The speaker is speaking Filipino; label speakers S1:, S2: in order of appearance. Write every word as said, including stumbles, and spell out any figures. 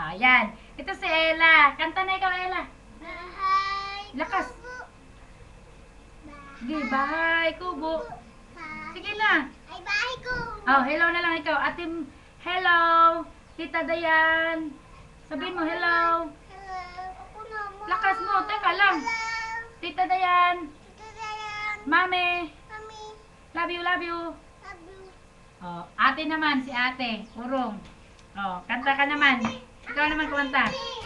S1: Oh, yan. Ito si Ella. Kanta na ikaw, Ella.
S2: Bahay.
S1: Lakas.
S2: Kubo.
S1: Sige, bahay, kubo. Sige na.
S2: Ay, bahay ko.
S1: Oh, hello na lang ikaw. Ate, hello. Tita Dayan. Sabihin mo, hello.
S2: Hello. Ako naman.
S1: Lakas mo. Teka lang.
S2: Hello.
S1: Tita Dayan.
S2: Tita Dayan.
S1: Mami.
S2: Mami.
S1: Love you, love you.
S2: Love you.
S1: Oh, ate naman, si ate. Urong. Oh, kanta ka naman. Ikaw naman kumanta.